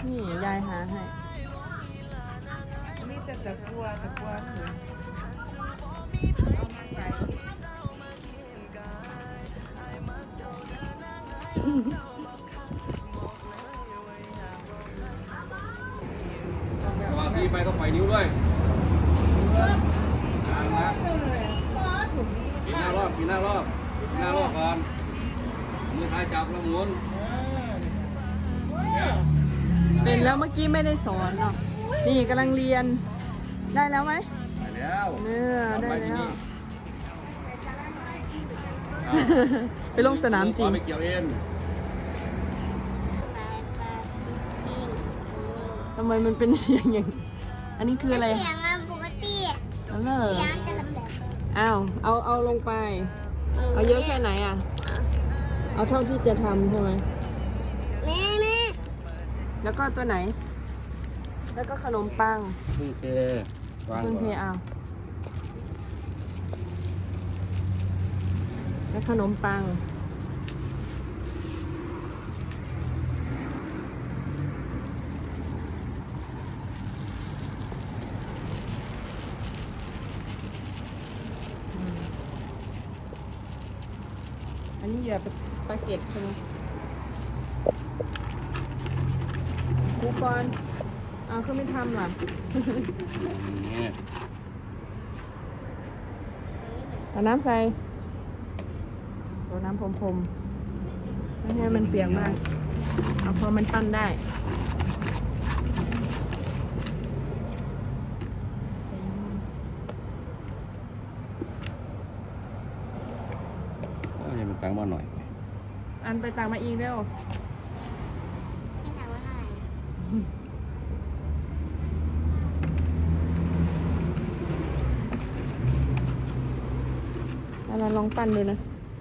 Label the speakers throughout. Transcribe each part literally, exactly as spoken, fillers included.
Speaker 1: นี่ยายหาให้
Speaker 2: มีแต่ตะกัวตะกัวเลยเอามาใส่
Speaker 3: สวัสดีไปต้องไปนิ้วด้วยกินหน้ารอบกินหน้ารอบกินหน้ารอบก่อนมือท้ายจับแล้วหมุน
Speaker 1: เป็นแล้วเมื่อกี้ไม่ได้สอนเนาะนี่กำลังเรียนได้แล้วไหม
Speaker 3: ไปแล้ว
Speaker 1: เนื้อได้แล้ว
Speaker 3: เอา
Speaker 1: ไปลงสนามจริง
Speaker 3: ไปเกี่ยวเอ็น
Speaker 1: ทำไมมันเป็นเสียงอย่างอันนี้คืออะไร
Speaker 4: เสียงอะปกติ
Speaker 1: อันนั้นเหรอ
Speaker 4: เสียงจะลำแบบ
Speaker 1: อ้าวเอาเอาลงไป เอาเยอะแค่ไหนอ่ะเอาเท่าที่จะทำใช่ไหม
Speaker 4: แม่แม่
Speaker 1: แล้วก็ตัวไหน แล้วก็ขนมปัง
Speaker 3: พึ่งเทวาง
Speaker 1: เพิ่งเท
Speaker 3: ก่อน
Speaker 1: เอาแล้วขนมปังอืมอันนี้เหยื่อปลาเก็ตใช่ไหมครูกรณ์เอาเขาไม่ทำหรอ
Speaker 3: นี่
Speaker 1: เอาน้ำใส่ตัวน้ำพรมๆไม่ให้มันเปียกมาก เอาพอมันปั้นได้
Speaker 3: เอาให้มันตั้งมาหน่อย
Speaker 1: อันไปตามมาอีกเร็ว
Speaker 4: ไม่ถามว่าอะไร
Speaker 1: แล้วเราลองปั้นดูนะ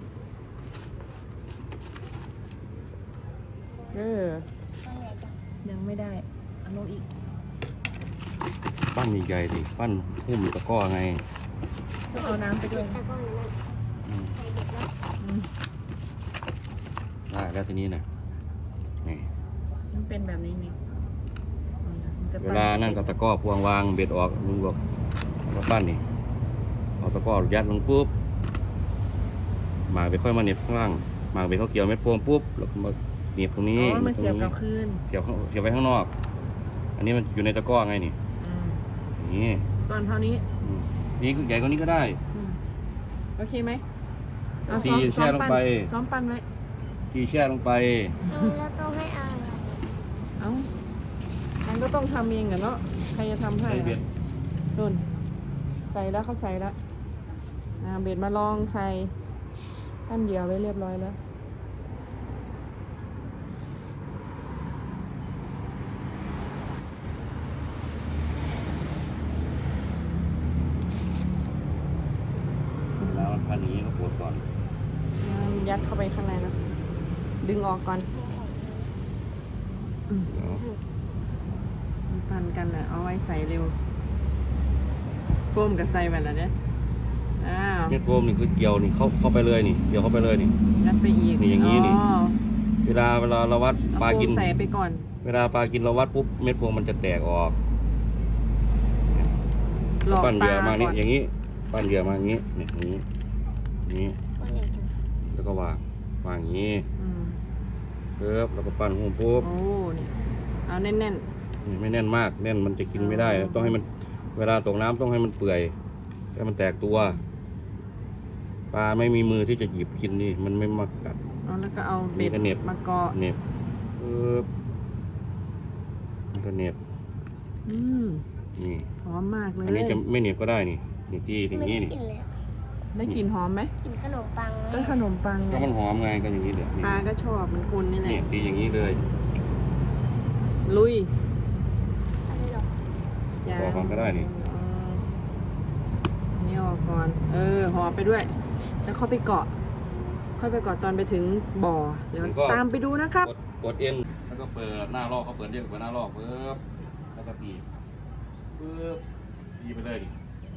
Speaker 1: เออ
Speaker 4: ตัวใหญ่จัง
Speaker 1: ยังไม่ได้เอาลงอีก
Speaker 3: ปั้นใหญ่ๆดิปั้นหุ้มตะก้อไง
Speaker 1: ต้องเอาน้ำไปด้วย
Speaker 4: ตะกร้องนั่น
Speaker 3: อืม
Speaker 4: ใส่เด็กแล้ว
Speaker 1: อืม
Speaker 3: ได้แล้วทีนี้นะนี่
Speaker 1: มันเป็นแบบนี้นี่มันจะ
Speaker 3: เว
Speaker 1: ปั้
Speaker 3: ลานั่นก็ตะก้อพวงวางเบ็ดออกลุงบอกมาปั้นนี่เอาตะก้อยัดลงปุ๊บหมากเบ็ดค่อยมาเหน็บข้างล่างหมากเบ็ดเขาเกี่ยวเม็ดโฟมปุ๊บแล้วก็มาเหน็บตรง
Speaker 1: อ๋
Speaker 3: นี้
Speaker 1: อมันเสียบกลับ
Speaker 3: ตรงนี้
Speaker 1: คืน
Speaker 3: เสียบข้างเสียบไว้ข้างนอก อันนี้มันอยู่ในตะก้อไงนี่
Speaker 1: อืม
Speaker 3: อย่างนี่
Speaker 1: ตอนเท่านี้
Speaker 3: นี่ใหญ่กว่านี้ก็ได้
Speaker 1: อืมโอเคไหมเอา
Speaker 3: ที
Speaker 1: ซ้อม
Speaker 3: แช่ลงไป
Speaker 1: ซ้อมปั้นไว้
Speaker 3: ทีแช่ลงไป
Speaker 4: เราต้องให้เอา
Speaker 1: เอ้ามันก็ต้องทำเองกันเนาะ ใครจะทำให้
Speaker 3: ใส่เบ็ด
Speaker 1: นุ่นใส่แล้วเขาใส่แล้วอ่าเบ็ดมาลองใส่ปั้นเหยื่อไว้เรียบร้อยแล้ว
Speaker 3: แล้วพันนี้ก็ปวดก่อน
Speaker 1: ยัดเข้าไปข้างในนะ ดึงออกก่อนอืม
Speaker 3: เดี๋ยว
Speaker 1: มันปั่นกันนะเอาไว้ใส่เร็วโฟมกับใส่ไปแล้วเนี่ยอ้าว
Speaker 3: เม็ดโฟมนี่คือเกี่ยวนี่เข้าเข้าไปเลยนี่เกี่ยวเข้าไปเลยนี่
Speaker 1: ยัดไปอีก
Speaker 3: นี่อย่างนี้นี่
Speaker 1: อ๋อ
Speaker 3: เวลาเวลาเราวัด
Speaker 1: เอา
Speaker 3: ปลา
Speaker 1: โฟ
Speaker 3: กิน
Speaker 1: มใส่ไปก่อน
Speaker 3: เวลาปลากินเราวัดปุ๊บเม็ดโฟมมันจะแตกออก
Speaker 1: หลอก
Speaker 3: ปั้น
Speaker 1: ป
Speaker 3: เหยื่
Speaker 1: ลา
Speaker 3: อมานี่
Speaker 1: ก่อน
Speaker 3: อย่างนี้ปั้นเหยื่อมาอย่างนี้เนี่ยอย่างนี้อย่างนี้
Speaker 4: ตัวใหญ่จัง
Speaker 3: แล้วก็วางวางอย่างนี้
Speaker 1: อืม
Speaker 3: ปุ๊บแล้วก็ปั้นหุ้มปุ๊บ
Speaker 1: โอ้นี่เอาแน่น
Speaker 3: นี่ไม่แน่นมากแน่นมันจะกินไม่ได้ ต้องให้มันเวลาตกน้ำต้องให้มันเปื่อยให้มันแตกตัว ปลาไม่มีมือที่จะหยิบกินนี่มันไม่มากัด
Speaker 1: ๆเอาแล้วก็เอาเบ็ด
Speaker 3: นี่ก็เหน็บ
Speaker 1: มาเกาะ
Speaker 3: เหน็บปุ๊บมันก็เหน็บ
Speaker 1: อืม
Speaker 3: นี่
Speaker 1: หอมมากเลย
Speaker 3: อันนี้จะไม่เหน็บก็ได้นี่นี่ที่อย่าง
Speaker 4: ไม่
Speaker 3: นี้
Speaker 4: ได้
Speaker 3: นี่
Speaker 4: กินเลยอะ
Speaker 1: ได้กลิ่นหอมไหม
Speaker 4: กินขนมปัง
Speaker 1: ก็ขนมปังไง
Speaker 3: ก็มันหอมไงก็อย่างนี้เดี๋ยวนี่
Speaker 1: ปลาก็ชอบมันคุณนี่แหละ
Speaker 3: นี่ตีอย่างนี้เลย
Speaker 1: ลุย
Speaker 4: อะไรหรอก
Speaker 1: ยา
Speaker 3: บอกก่อนก็ได้นี่
Speaker 1: อ๋ออันนี่ออกก่อน เออห่อไปด้วย แล้วเข้าไปเกาะ ค่อยไปเกาะตอนไปถึงบ่อ เดี๋ยวตามไปดูนะครับ
Speaker 3: กดกดเอ็นแล้วก็เปิดหน้าลอกก็เปิดเรียกเปิดหน้าลอกปุ๊บแล้วก็ตีปุ๊บตีไปเลยดิ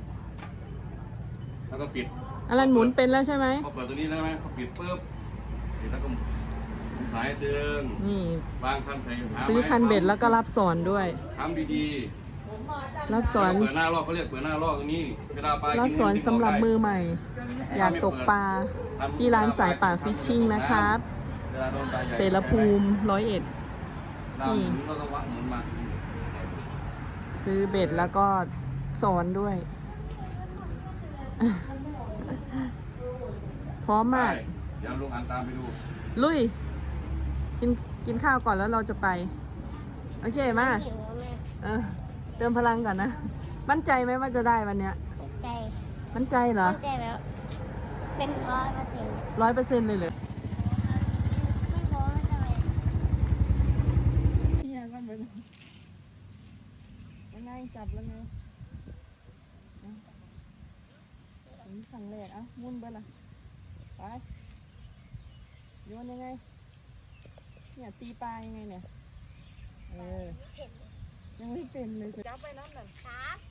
Speaker 3: แล้วก็ปิด
Speaker 1: อลันหมุนเป็นแล้วใช่ไหม
Speaker 3: เขาเปิดตัวนี้ได้ไหมเขาปิดปุ๊บปิดแล้วก็สายดึง
Speaker 1: นี่
Speaker 3: วางคันใส่หา
Speaker 1: ซื้อคันเบ็ดแล้วก็รับสอนด้วย
Speaker 3: ทำดี
Speaker 1: รับ
Speaker 3: ๆ
Speaker 1: สอน
Speaker 3: เปิดหน้าลอกเขาเรียกเปิดหน้าลอกตรงนี้เวลาปลา
Speaker 1: รับ
Speaker 3: กิ
Speaker 1: สอน
Speaker 3: กิ
Speaker 1: สำหรับมือ
Speaker 3: ได้
Speaker 1: ใหม่ อยากตกปลาที่ร้านสายป่าฟิชชิ่งนะครับ
Speaker 3: เวลาโดนปลาใหญ่
Speaker 1: เสรภูมิร้อยเอ็ด
Speaker 3: น้ำหมุนเราต้องวัดหมุนมา
Speaker 1: ซื้อเบ็ดแล้วก็สอนด้วย พร้อมมาก
Speaker 3: ไปเดี๋ยวลุงอันตามไปดู
Speaker 1: ลุย กินกินข้าวก่อนแล้วเราจะไป โอเคมา
Speaker 4: หิวอะแม่
Speaker 1: เออเติมพลังก่อนนะ มั่นใจไหมว่าจะได้วันเนี้ย
Speaker 4: ใจ
Speaker 1: มั่นใจเหรอ
Speaker 4: มั่นใจแล้ว เป็นร้อยเปอร์เซ็นต์
Speaker 1: ร้อยเปอร์เซ็นต์เลยเลย
Speaker 4: ไม่พอไม่จะไป
Speaker 1: เนี่ยก็เป็นยังไงจับแล้วไงถึงสั่งแรกอ่ะมุ่นไปละไปโยนยังไง เนี่ยตีปลายังไงเนี่ย เออ ยังไม่เป็นเลยจับไปน้ำหน่อย
Speaker 4: ครับ